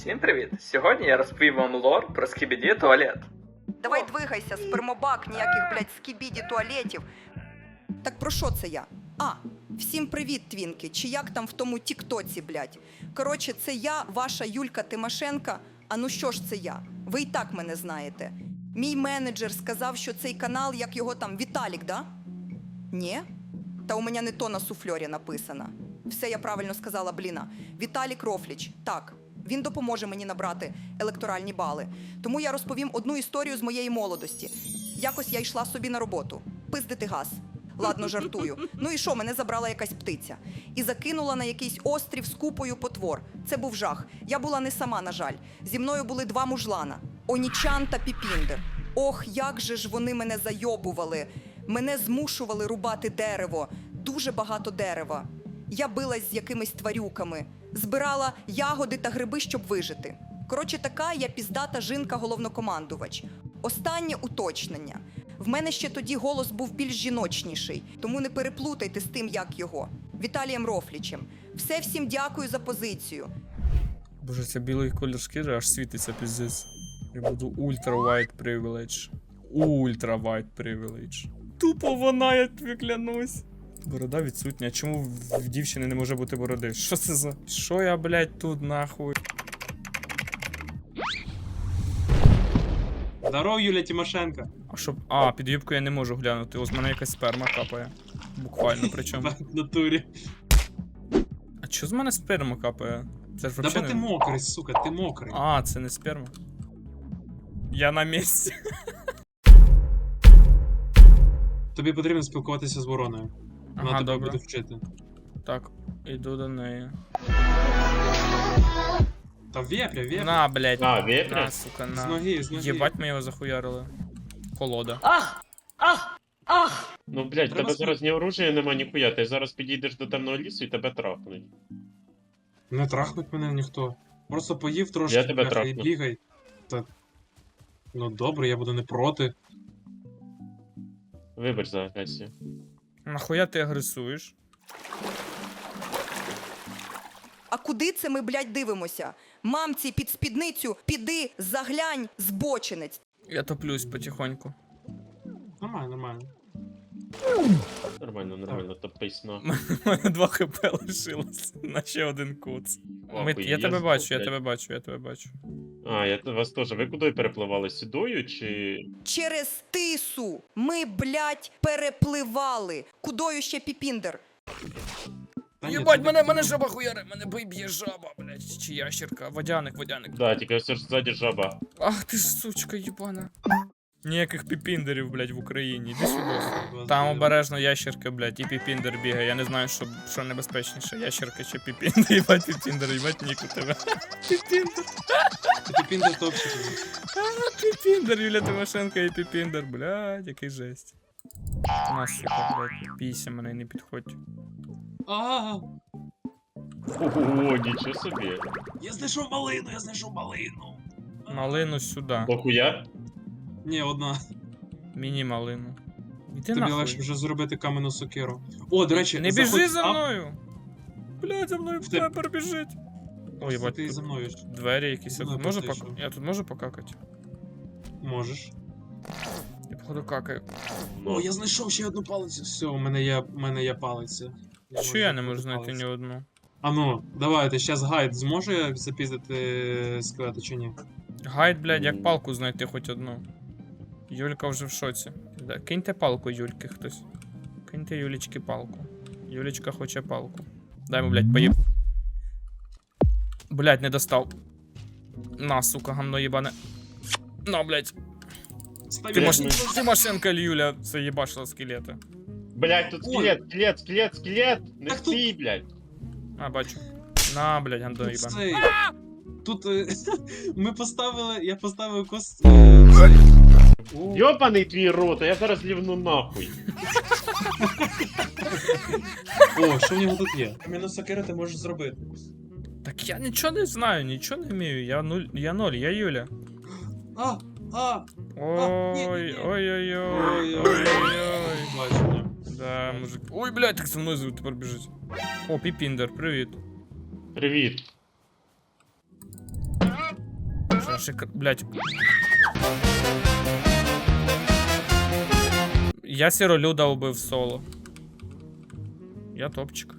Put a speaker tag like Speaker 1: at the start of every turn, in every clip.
Speaker 1: Всім привіт! Сьогодні я розповім вам лор про скібіді туалет.
Speaker 2: Давай двигайся, спермобак, ніяких, блядь, скібіді туалетів. Так про що це я? Всім привіт, твінки, чи як там в тому тіктоці, блядь. Коротше, це я, ваша Юлька Тимошенко. А ну що ж це я? Ви і так мене знаєте. Мій менеджер сказав, що цей канал, як його там, Віталік, да? Ні? Та у мене не то на суфльорі написано. Все я правильно сказала, бліна. Віталік Рофліч, так. Він допоможе мені набрати електоральні бали. Тому я розповім одну історію з моєї молодості. Якось я йшла собі на роботу. Пиздити газ. Ладно, жартую. Ну і що, мене забрала якась птиця. І закинула на якийсь острів з купою потвор. Це був жах. Я була не сама, на жаль. Зі мною були два мужлана. Онічан та Піпіндер. Ох, як же ж вони мене зайобували. Мене змушували рубати дерево. Дуже багато дерева. Я билась з якимись тварюками. Збирала ягоди та гриби, щоб вижити. Коротше, така я піздата жінка-головнокомандувач. Останнє уточнення. В мене ще тоді голос був більш жіночніший, тому не переплутайте з тим, як його. Віталієм Рофлічем. Все всім дякую за позицію.
Speaker 3: Боже, це білий колір шкіри аж світиться, піздець. Я буду ультра white privilege. Ультра white privilege. Тупо вона, я тобі клянусь. Борода відсутня. Чому в дівчини не може бути бороди? Що це за... Що я, блядь, тут нахуй?
Speaker 4: Здорово, Юля Тимошенко.
Speaker 3: А що... під юбку я не можу глянути. Ось в мене якась сперма капає. Буквально, причому.
Speaker 4: В натурі.
Speaker 3: А чо з мене сперма капає? Це ж
Speaker 4: Да
Speaker 3: вообще
Speaker 4: бо ти
Speaker 3: не...
Speaker 4: мокрий, сука, ти мокрий.
Speaker 3: Це не сперма. Я на місці.
Speaker 4: Тобі потрібно спілкуватися з вороною. Вона
Speaker 3: Ага,
Speaker 4: тебе
Speaker 3: добре.
Speaker 4: буде вчити.
Speaker 3: Так, іду до неї.
Speaker 4: Та вепря, вепря.
Speaker 3: На, блядь.
Speaker 5: вепря?
Speaker 3: На, сука,
Speaker 4: З
Speaker 3: на.
Speaker 4: ноги, з ноги.
Speaker 3: Єбать, ми його захуярили. Колода.
Speaker 5: Ну, блядь,
Speaker 4: Треба
Speaker 5: тебе зараз ні оружия нема, ніхуя. Ти зараз підійдеш до темного лісу і тебе трахнуть.
Speaker 4: Не трахнуть мене ніхто. Просто поїв трошки,
Speaker 5: Я тебе
Speaker 4: бляха, і
Speaker 5: трахну.
Speaker 4: бігай. Та... Ну добре, я буду не проти.
Speaker 5: Вибач за агресію.
Speaker 3: Нахуя ти агресуєш?
Speaker 2: А куди це ми, блядь, дивимося? Мамці, під спідницю, піди, заглянь, збочинець.
Speaker 3: Я топлюсь потихоньку.
Speaker 4: Нормально, нормально.
Speaker 5: Нормально, нормально, топись на.
Speaker 3: У мене 2 хп лишилось. На ще один куц. Я тебе бачу, я тебе бачу, я тебе бачу.
Speaker 5: Я вас теж. Ви куди перепливали? Сюдою чи.
Speaker 2: Через тису ми, блядь, перепливали. Кудою ще Піпіндер?
Speaker 4: Та ні,
Speaker 3: Єбать,
Speaker 4: це-
Speaker 3: мене жаба хуяре, мене б'є жаба, блядь, чи ящерка. Водяник.
Speaker 5: Да, тільки ось ж ззаді жаба.
Speaker 3: Ах ти ж сучка єбана. Ніяких піпіндерів, блядь, в Україні. Іди сюди.
Speaker 4: Вас
Speaker 3: Там
Speaker 4: дивно.
Speaker 3: обережно ящерка, блядь, і піпіндер бігає. Я не знаю, що небезпечніше, ящерка чи піпіндер. Їбать піпіндер, їбать ніку тебе. Піпіндер.
Speaker 4: Ти піндер топчик.
Speaker 3: Піпіндер, Юля Тимошенко і піпіндер, блядь, який жесть. На, сука, блядь, бійся мене, не підходь.
Speaker 5: Ого, нічого собі.
Speaker 4: Я знайшов малину, я знайшов малину.
Speaker 3: Малину сюди.
Speaker 5: Дохуя?
Speaker 4: Ні, одна.
Speaker 3: Міні-малину. Іди
Speaker 4: Тобі легше
Speaker 3: нахуй.
Speaker 4: вже зробити каменну сокиру. О, до речі,
Speaker 3: Не біжи
Speaker 4: заходь
Speaker 3: за
Speaker 4: там.
Speaker 3: мною! Блядь, за мною
Speaker 4: Ти-
Speaker 3: снайпер біжить. Ой, єбать,
Speaker 4: Ти за мною ж.
Speaker 3: двері якісь.
Speaker 4: Ну,
Speaker 3: Можу
Speaker 4: практично.
Speaker 3: Я тут можу покакати?
Speaker 4: Можеш.
Speaker 3: Я походу какаю.
Speaker 4: О, я знайшов ще одну палицю. Все, у мене є палиця.
Speaker 3: Що я не можу знайти ні одну?
Speaker 4: А ну, давайте, щас гайд зможе запіздити скелети чи ні?
Speaker 3: Гайд, блядь, як палку знайти хоч одну. Юлька вже в шоці. Да, киньте палку Юльки хтось. Киньте Юлічки палку. Юлічка хоче палку. Дай йому, блядь, поїб. Блядь, не достав. На, сука, гамно єбане. На, блядь. Тимошенко Юля заєбашила скелети.
Speaker 5: Блядь, тут скелет! Не
Speaker 4: Так тут-
Speaker 5: стій, блядь!
Speaker 3: Бачу. На, блядь, гандо
Speaker 4: Тут
Speaker 3: єбане.
Speaker 4: цей... Тут я поставив кос...
Speaker 5: Йобаний твій рот, а я зараз лівну нахуй.
Speaker 4: О, що в нього тут є? Кам'яну сокиру ти можеш зробити.
Speaker 3: Так я нічого не знаю, нічого не вмію. Я ноль, я Юля. Ой, ой-ой-ой. Ой-ой-ой.
Speaker 4: Бачення.
Speaker 3: Да, мужик. Ой, блядь, так за мною тепер біжить. О, Піпіндер, привіт.
Speaker 5: Привіт.
Speaker 3: Блядь. Я Сіролюда убив соло. Я топчик.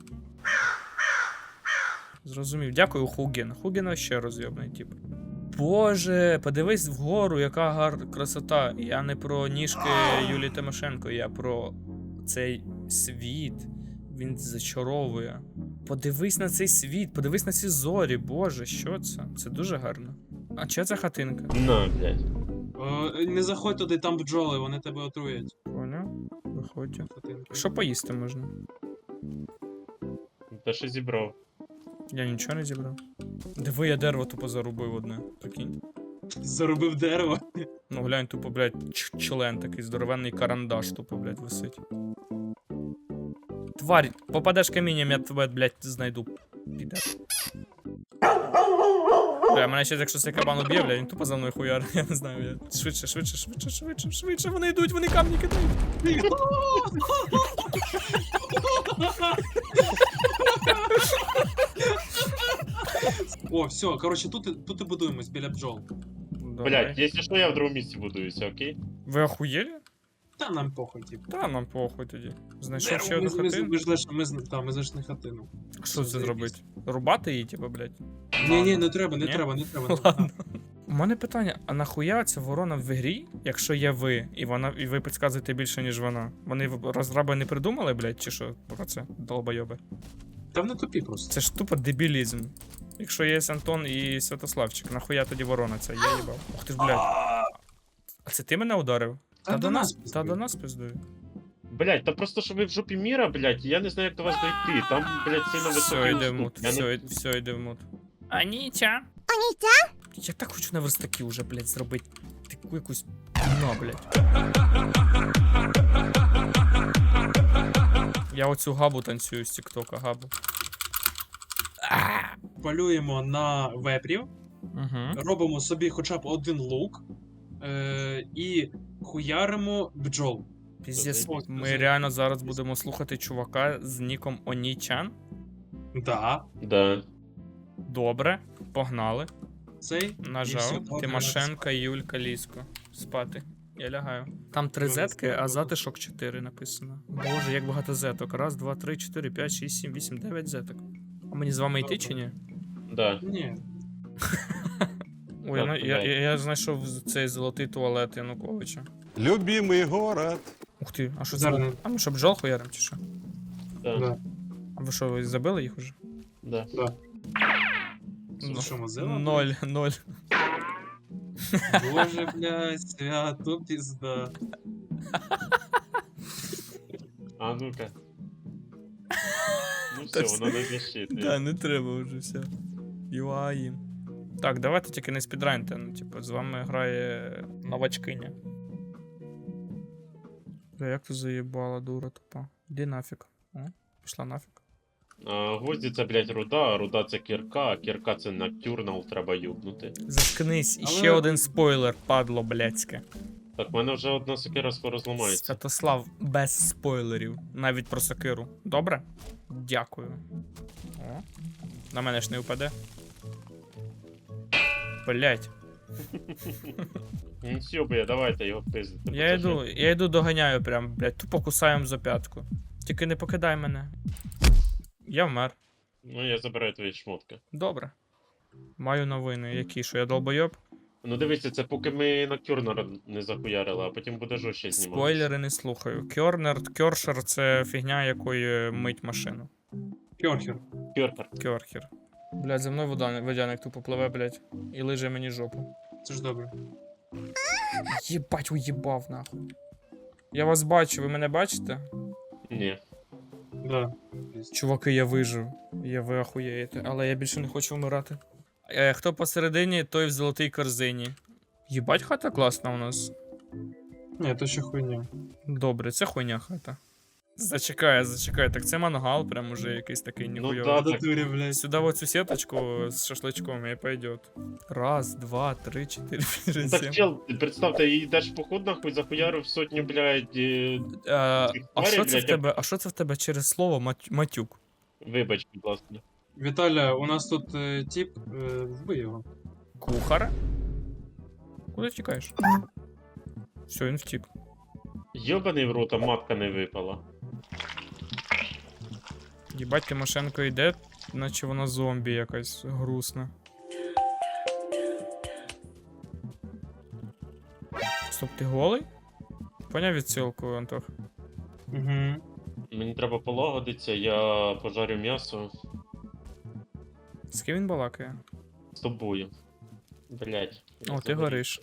Speaker 3: Зрозумів. Дякую, Хуген. Хуген ще розйобний тип. Боже, подивись вгору, яка красота. Я не про ніжки Юлії Тимошенко, я про цей світ. Він зачаровує. Подивись на цей світ, подивись на ці зорі. Боже, що це? Це дуже гарно. А чия це хатинка?
Speaker 5: На, блядь.
Speaker 4: Не заходь туди, там бджоли, вони тебе отруять.
Speaker 3: Поняв? Виходь.
Speaker 4: Хатинка.
Speaker 3: Що поїсти можна?
Speaker 5: Та що зібрав?
Speaker 3: Я нічого не зібрав. Диви, я дерево тупо зарубив одне. Прикинь.
Speaker 4: Заробив дерево.
Speaker 3: Ну глянь, тупо, блядь, член такий здоровенний карандаш тупо, блядь, висить. Тварь, попадеш камінням, я тебе, блядь, знайду. Піде. Бля, мене ще якщо цей кабан уб'є, бля, він тупо за мною хуяр. Я не знаю, я. Швидше, вони йдуть, вони камні кидають.
Speaker 4: О, все, коротше, тут і будуємось біля бджол.
Speaker 5: Блядь, якщо що, я в другому місці будуюся, окей?
Speaker 3: Ви охуєли?
Speaker 4: Та нам похуй, типу.
Speaker 3: Та нам похуй тоді. Знайшов ще одну
Speaker 4: Ми
Speaker 3: хатину.
Speaker 4: знайшли хатину.
Speaker 3: Що це зробити? Рубати її, типу, блядь?
Speaker 4: Ні, не треба.
Speaker 3: Ладно. У мене питання, а нахуя ця ворона в грі, якщо є ви, і ви підказуєте більше, ніж вона? Вони розраби не придумали, блядь, чи що? Про це, долбойоби.
Speaker 4: Та вони тупі просто.
Speaker 3: Це ж тупо дебілізм. Якщо є Антон і Святославчик, нахуя тоді ворона ця? Я їбав. Ух ти ж, блядь. А це ти мене ударив?
Speaker 4: Та до нас
Speaker 3: Та
Speaker 4: пиздує.
Speaker 3: до нас пиздує.
Speaker 5: Блядь, та просто що ви в жопі міра, блядь, я не знаю, як до вас дойти. Там, блядь, сильно
Speaker 3: Все,
Speaker 5: високий
Speaker 3: йде в
Speaker 5: уступ.
Speaker 3: мут.
Speaker 5: Я не-
Speaker 3: Все, йде в мут. Анітя? Я так хочу на верстаки уже, блядь, зробити таку якусь на, блядь. Я оцю габу танцюю з тіктока, габу.
Speaker 4: Полюємо на вепрів,
Speaker 3: Угу.
Speaker 4: робимо собі хоча б один лук і хуяримо бджол.
Speaker 3: Піздець,
Speaker 4: Ось,
Speaker 3: ми реально зараз будемо слухати чувака з ніком Онічан.
Speaker 4: Да.
Speaker 5: Да.
Speaker 3: Добре, погнали.
Speaker 4: Цей. І все,
Speaker 3: Нажав.
Speaker 4: добре,
Speaker 3: Тимошенка, Юлька, Лісько. Спати. Я лягаю. Там 3 зетки, а затишок 4 написано. Боже, як багато зеток. Раз, два, три, 4, 5, 6, 7, 8, 9 зеток. А мені з вами йти чи ні?
Speaker 5: Да.
Speaker 4: Ні.
Speaker 3: Ой,
Speaker 5: Так,
Speaker 3: ну, я
Speaker 5: туди.
Speaker 3: знайшов цей золотий туалет Януковича.
Speaker 6: Любимый город.
Speaker 3: Ух ти, а що це?
Speaker 4: Зараз.
Speaker 3: А ми що, бджол хуярим чи що?
Speaker 5: Да.
Speaker 4: Да.
Speaker 3: А ви що, ви забили їх уже?
Speaker 5: Да.
Speaker 4: Це що, Мозила?
Speaker 3: 0.
Speaker 4: Боже, блядь, свято пізда.
Speaker 5: А ну-ка. Ну
Speaker 3: Та
Speaker 5: все,
Speaker 3: все.
Speaker 5: воно не защити.
Speaker 3: Да, не треба вже все. Юаї. Так, давайте тільки не спідраньте, ну, типу, з вами грає новачкиня. Бля, як ти заїбала, дура тупа. Іди нафіг. О, пішла нафіг.
Speaker 5: Гвозді це, блядь, руда, а руда це кірка, а кірка це ноктюрнал, треба юбнути.
Speaker 3: Заткнись, і
Speaker 4: Але-
Speaker 3: ще один спойлер, падло блядське.
Speaker 5: Так, в мене вже одна сокира скоро зламається.
Speaker 3: Святослав, без спойлерів. Навіть про сокиру. Добре? Дякую. О, на мене ж не впаде. Блять.
Speaker 5: Ну все, бля, давайте його пиздити.
Speaker 3: Я йду доганяю прям, блять, тупо кусаємо за п'ятку. Тільки не покидай мене. Я вмер.
Speaker 5: Ну, я забираю твої шмотки.
Speaker 3: Добре. Маю новини. Які, що я долбойоб?
Speaker 5: Ну дивіться, це поки ми ноктюрнера не захуярили, а потім буде жорстче знімати.
Speaker 3: Спойлери не слухаю. Кьоршер це фігня, якою мить машину.
Speaker 4: Кьорхер.
Speaker 5: Кьоркер.
Speaker 3: Кьорхер. Блять, за мною водяник тупо пливе, блять, і лиже мені жопу.
Speaker 4: Це ж добре.
Speaker 3: Єбать, уїбав нахуй. Я вас бачу, ви мене бачите?
Speaker 5: Ні.
Speaker 4: Да.
Speaker 3: Чуваки, я вижив. Ви ахуєєте, але я більше не хочу вмирати. Хто посередині, той в золотій корзині. Єбать, хата класна у нас.
Speaker 4: Ні, то ще хуйня.
Speaker 3: Добре, це хуйня хата. Зачекай, так це мангал, прям уже якийсь такий
Speaker 5: Ну
Speaker 3: ніхуйовий.
Speaker 5: да,
Speaker 4: В
Speaker 5: так.
Speaker 4: натурі, блядь.
Speaker 3: Сюда вот цю сеточку з шашлычком и пойдет. Раз, два, три, 4, 5,
Speaker 5: Ну
Speaker 3: 6,
Speaker 5: так,
Speaker 3: 7.
Speaker 5: чел, представте, їй йдеш в поход, нахуй, захуярив сотню, блядь,
Speaker 3: А
Speaker 5: Тварі,
Speaker 3: що це в
Speaker 5: блядь,
Speaker 3: тебе? А що це в тебе через слово матюк?
Speaker 5: вибач, будь ласка.
Speaker 4: Віталя, у нас тут тип, вбий його.
Speaker 3: Кухар? Куди втікаєш? Все, він втік.
Speaker 5: Йобаний в рота, матка не випала.
Speaker 3: Єбать, Тимошенко йде, наче вона зомбі якась грустна. Стоп, ти голий? Поняв відсилку, Антох?
Speaker 4: Угу.
Speaker 5: Мені треба полагодитися, я пожарю м'ясо
Speaker 3: З ким він балакає?
Speaker 5: з тобою. Блять.
Speaker 3: О, ти гориш.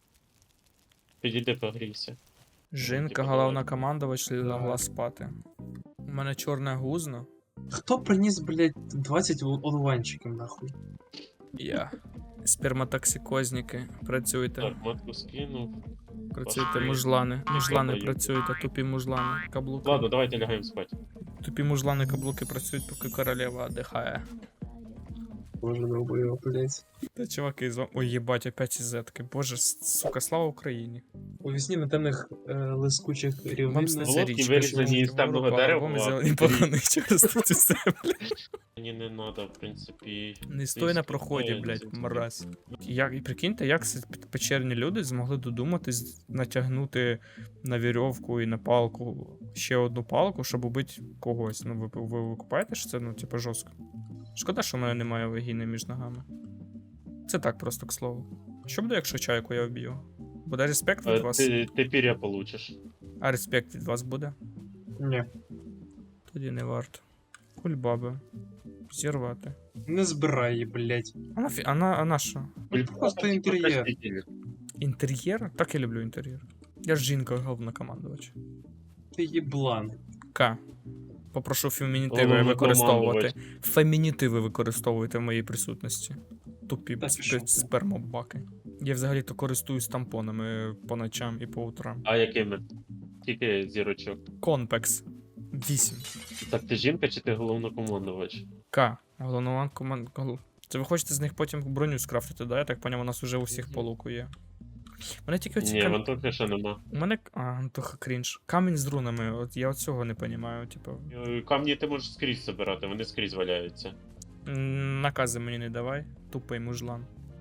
Speaker 5: Підійди погрійся.
Speaker 3: Жінка, головна командувач, лягла спати. У мене чорне гузно.
Speaker 4: Хто приніс, блядь, 20 одуванчиків, нахуй?
Speaker 3: Я. Сперматоксикозники. Працюйте.
Speaker 5: Так, матку скинув.
Speaker 3: Працюйте, мужлани. Мужлани
Speaker 5: Даю.
Speaker 3: працюйте, тупі мужлани. Каблуки.
Speaker 5: Ладно, давайте лягаємо спати.
Speaker 3: Тупі мужлани каблуки працюють, поки королева отдихає.
Speaker 4: Боже, долбоёб, блядь.
Speaker 3: Та чуваки, ой, їбать, опять із зетки. Боже, сука, слава Україні.
Speaker 4: У вісні на темних лискучих
Speaker 3: Вам
Speaker 4: рівнинах.
Speaker 3: сниться
Speaker 5: Володьки
Speaker 3: річка,
Speaker 5: вирізані
Speaker 3: що
Speaker 5: із темного
Speaker 3: Ворога,
Speaker 5: дерева,
Speaker 3: альбоми
Speaker 5: а
Speaker 3: зелені
Speaker 5: тоді-
Speaker 3: поганих через цю землю.
Speaker 5: Мені не треба, в принципі.
Speaker 3: Не стой на проході, блядь, мразь. Як, і прикиньте, як це печерні люди змогли додуматись натягнути на вірьовку і на палку ще одну палку, щоб убити когось. Ну, ви купаєте, що це, ну, типу, жорстко. Шкода, що в мене немає вагіни між ногами. Це так просто, к слову. Що буде, якщо чайку я вб'ю? Буде респект від вас?
Speaker 5: Ти пір'я получиш.
Speaker 3: А респект від вас буде?
Speaker 4: Ні.
Speaker 3: Тоді не варто. Кульбаби. Зірвати.
Speaker 4: Не збирай її, блядь.
Speaker 3: А на що?
Speaker 4: Просто інтер'єр.
Speaker 3: Інтер'єр? Так я люблю інтер'єр. Я ж жінка головнокомандувач.
Speaker 4: Ти їблан.
Speaker 3: К. Попрошу фемінітиви використовувати.
Speaker 5: Головнокомандувач.
Speaker 3: Фемінітиви використовуйте в моїй присутності. Тупі
Speaker 4: Та пішов ти.
Speaker 3: спермобаки. Я взагалі-то користуюсь тампонами по ночам і по утрам.
Speaker 5: А якими? Тільки зірочок.
Speaker 3: Конпекс. 8.
Speaker 5: Так ти жінка чи ти головнокомандувач?
Speaker 3: К. Головнокоманд... Це ви хочете з них потім броню скрафтити, да? Я так поняв, у нас уже у всіх по луку є. Мене тільки оці
Speaker 5: Ні, в Антоха ще нема.
Speaker 3: У мене. А, Антоха крінж. Камінь з рунами, от я цього не розумію, типу.
Speaker 5: Камні ти можеш скрізь збирати, вони скрізь валяються.
Speaker 3: Накази мені не давай, тупий мужлан.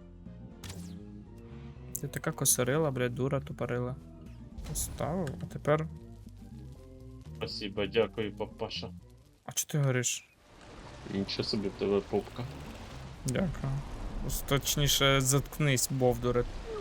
Speaker 3: Ти така косарила, блядь, дура тупорила. Поставив, а тепер.
Speaker 5: Спасибо, дякую, папаша.
Speaker 3: А чого ти гориш?
Speaker 5: Нічого собі в тебе попка.
Speaker 3: Дякую. Точніше, заткнись, бовдуре.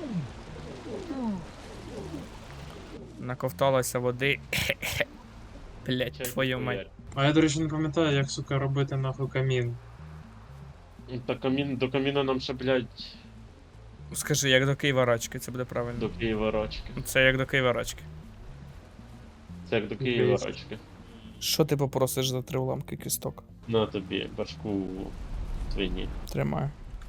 Speaker 3: Наковталася води. Блять, твою мать.
Speaker 4: А я, до речі, не пам'ятаю, як, сука, робити нахуй камін.
Speaker 5: Та до каміна нам ще, блядь,
Speaker 3: Скажи, як до Києва рачки, це буде правильно.
Speaker 5: до Києва рачки.
Speaker 3: Це як до Києва рачки.
Speaker 5: Це як до Києва рачки.
Speaker 3: Що ти попросиш за 3 уламки кісток?
Speaker 5: На тобі, башку свині.
Speaker 3: Тримаю.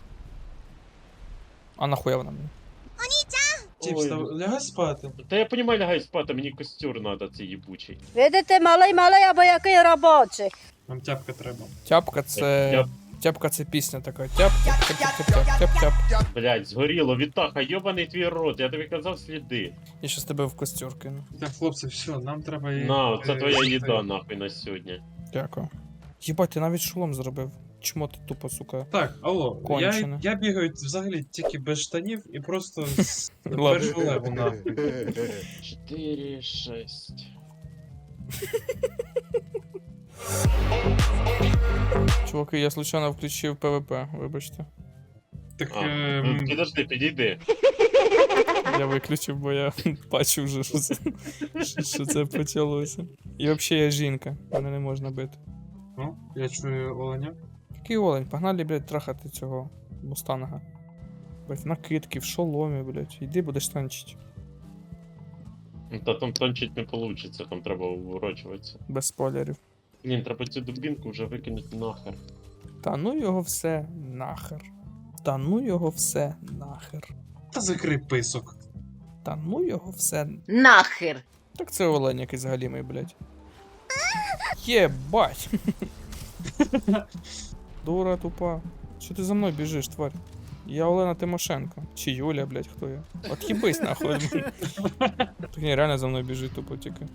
Speaker 3: А нахуя вона мені?
Speaker 4: Тіп, лягай спати.
Speaker 5: Та я понімаю, лягай спати, мені костюр надо, цей їбучий.
Speaker 7: Видите, малий або який робочий.
Speaker 4: Нам тяпка треба.
Speaker 3: Тяпка це.
Speaker 5: Я,
Speaker 3: Тяпка це пісня така. Тяп-тяп-тяп-тяп-тяп-тяп.
Speaker 5: блядь, згоріло, Вітаха, йобаний твій рот, я тобі казав сліди.
Speaker 3: Я щас тебе в костюр кину.
Speaker 4: Так, хлопці, все, нам треба її.
Speaker 5: На, це твоя їда, нахуй, на сьогодні.
Speaker 3: Дякую. Єбать, ти навіть шолом зробив. Чмо ти тупо, сука.
Speaker 4: Так, алло,
Speaker 3: Кончене.
Speaker 4: я бігаю взагалі тільки без штанів і просто
Speaker 3: Ладно.
Speaker 4: без жилету, нахуй.
Speaker 5: 4, 6.
Speaker 3: Чуваки, я случайно включив ПВП, вибачте.
Speaker 4: Так,
Speaker 5: Підожди, підійди.
Speaker 3: Я виключив, бо я бачу вже, що це почалося. І взагалі я жінка, мене не можна бити.
Speaker 4: ну, я чую оленя.
Speaker 3: Який олень, погнали, блядь, трахати цього мустанга. Блядь, в накидки, в шоломі, блядь. Іди будеш танчить.
Speaker 5: Та там танчить не получится, там треба уворачуватися.
Speaker 3: Без спойлерів.
Speaker 5: Блін, треба цю дубінку вже викинути нахер.
Speaker 3: Та ну його все нахер. Та ну його все нахер.
Speaker 4: Та закрий писок.
Speaker 3: Та ну його все.
Speaker 7: Нахер.
Speaker 3: Так це олень якийсь галімий, блядь. Єбать. Дура тупа. Що ти за мною біжиш, тварь? Я Олена Тимошенко. Чи Юля, блядь, хто я? От їбись нахуй. Так ні, реально за мною біжить тупо тільки.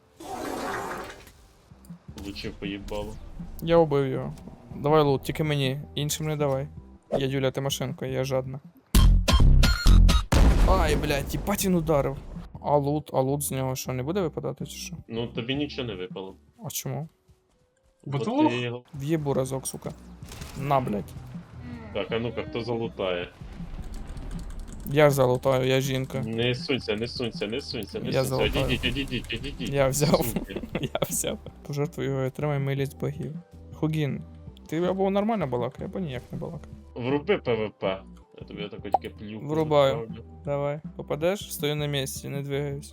Speaker 5: Лучше поїбало.
Speaker 3: Я убив його. Давай лут, тільки мені. Іншим не давай. Я Юля Тимошенко, я жадна. Ай, блядь, їбать він ударив. А лут з нього що, не буде випадати чи що?
Speaker 5: Ну тобі нічого не випало.
Speaker 3: А чому?
Speaker 4: Бо
Speaker 5: Бо
Speaker 4: ти лох.
Speaker 5: ти його-
Speaker 3: В'єбу разок, сука. На, блядь.
Speaker 5: Так, а ну-ка, хто залутає?
Speaker 3: Я ж залутаю, я жінка.
Speaker 5: Не сунься, не сунься, не сунься, не
Speaker 3: Я
Speaker 5: сунься.
Speaker 3: залутаю.
Speaker 5: Одійдіть.
Speaker 3: Я взяв.
Speaker 5: Суньте.
Speaker 3: Я взяв. Пожертвуй його і отримай милість богів. Хугін, ти або нормально балакай, або ніяк не балакай.
Speaker 5: Вруби ПВП. Я тобі отако тільки плюху.
Speaker 3: Врубаю.
Speaker 5: направлю.
Speaker 3: Давай, попадеш, стою на місці, не двигаюсь.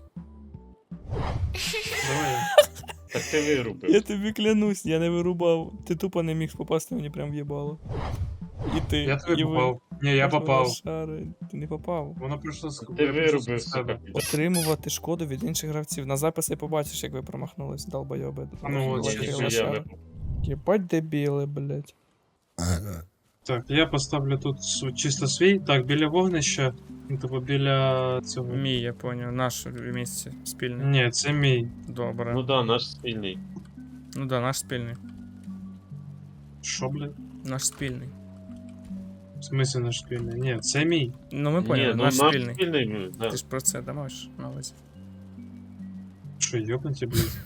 Speaker 4: Давай.
Speaker 5: Так ти вирубив.
Speaker 3: Я тобі клянусь, я не вирубав. Ти тупо не міг попасти мені прям в їбало. І ти,
Speaker 4: Я тобі
Speaker 3: і ви.
Speaker 4: попав. Ні, я попав.
Speaker 3: Лошари. Ти не попав.
Speaker 4: Воно прийшло з
Speaker 5: Ти
Speaker 4: я прийшов
Speaker 5: вирубив,
Speaker 4: з тебе.
Speaker 5: сука.
Speaker 3: Отримувати шкоду від інших гравців. На записи побачиш, як ви промахнулись, долбойоби.
Speaker 4: А ну, от,
Speaker 3: Лошари,
Speaker 4: ще
Speaker 5: я
Speaker 3: лошари. Єбать дебіли, блядь.
Speaker 4: Так, я поставлю тут чисто свій. Так, біля вогнища. Ну, типу, біля цього.
Speaker 3: Мій, я поняв, наш місце спільне.
Speaker 4: Ні, це мій.
Speaker 3: Добре.
Speaker 5: Ну да, наш спільний.
Speaker 3: Ну да, наш спільний.
Speaker 4: Що, блядь?
Speaker 3: Наш спільний.
Speaker 4: В смысле наш спільний? Ні, це мій.
Speaker 3: Ну ми
Speaker 5: Ні,
Speaker 3: поняли,
Speaker 5: ну
Speaker 3: наш спільний.
Speaker 5: спільний, да.
Speaker 3: Ти ж про це дамаш на увазі.
Speaker 4: Що, йобнуті, блядь?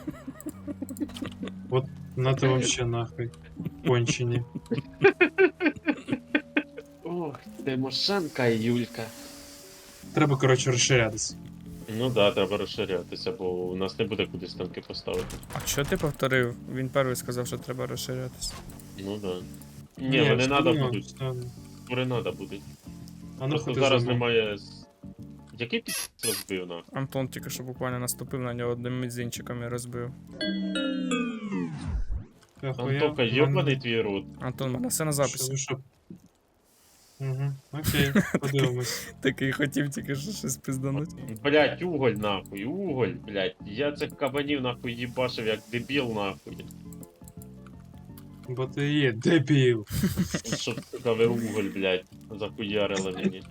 Speaker 4: Вот на то вообще нахуй. Кончені.
Speaker 5: Ох, Тимошенка і Юлька.
Speaker 4: Треба, коротше, розширятися.
Speaker 5: Ну да, треба розширятися, бо у нас не буде куди станки поставити.
Speaker 3: А що ти повторив? Він перший сказав, що треба розширятися.
Speaker 5: Ну да. Ні, вони надо
Speaker 4: встигну,
Speaker 5: будуть.
Speaker 4: встигну.
Speaker 5: Скоро надо будуть.
Speaker 4: А ну
Speaker 5: Просто
Speaker 4: ходи
Speaker 5: зараз
Speaker 4: за мною.
Speaker 5: немає. Який ти розбив нахуй?
Speaker 3: Антон тільки що буквально наступив на нього одним мізинчиком і розбив.
Speaker 4: Ахуя.
Speaker 5: Антока, йобаний твій рот.
Speaker 3: Антон, в мене все на
Speaker 4: Що,
Speaker 3: записі.
Speaker 4: ви що? Угу, окей, подивимось.
Speaker 3: Такий хотів тільки що щось пиздануть.
Speaker 5: Блять, уголь нахуй, уголь, блять. Я цих кабанів нахуй їбашив як дебіл нахуй.
Speaker 4: Бо ти є дебіл.
Speaker 5: Щоб сука ви уголь, блять, захуярили мені.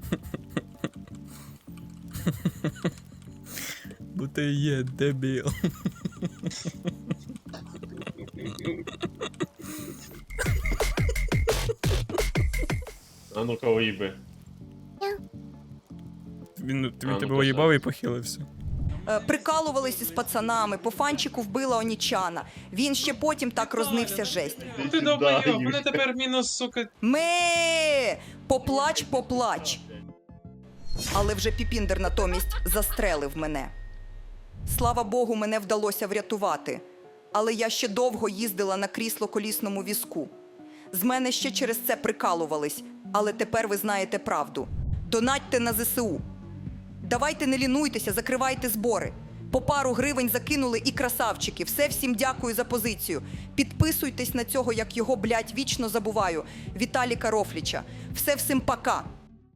Speaker 3: Бо ти є дебіл.
Speaker 5: А ну-ка уїби.
Speaker 3: Він
Speaker 5: ну,
Speaker 3: тебе
Speaker 5: то
Speaker 3: уїбав
Speaker 5: все.
Speaker 3: і похилився.
Speaker 2: Прикалувались із пацанами, по фанчику вбила Онічана. Він ще потім так рознився жесть.
Speaker 4: Ну ти долбойоб, мене тепер мінус, сука.
Speaker 2: Поплач, поплач. Але вже Піпіндер натомість застрелив мене. Слава Богу, мене вдалося врятувати. Але я ще довго їздила на крісло-колісному візку. З мене ще через це прикалувались. Але тепер ви знаєте правду. Донатьте на ЗСУ. Давайте не лінуйтеся, закривайте збори. По пару гривень закинули і красавчики. Все всім дякую за позицію. Підписуйтесь на цього, як його, блядь, вічно забуваю. Віталіка Рофліча. Все всім пока.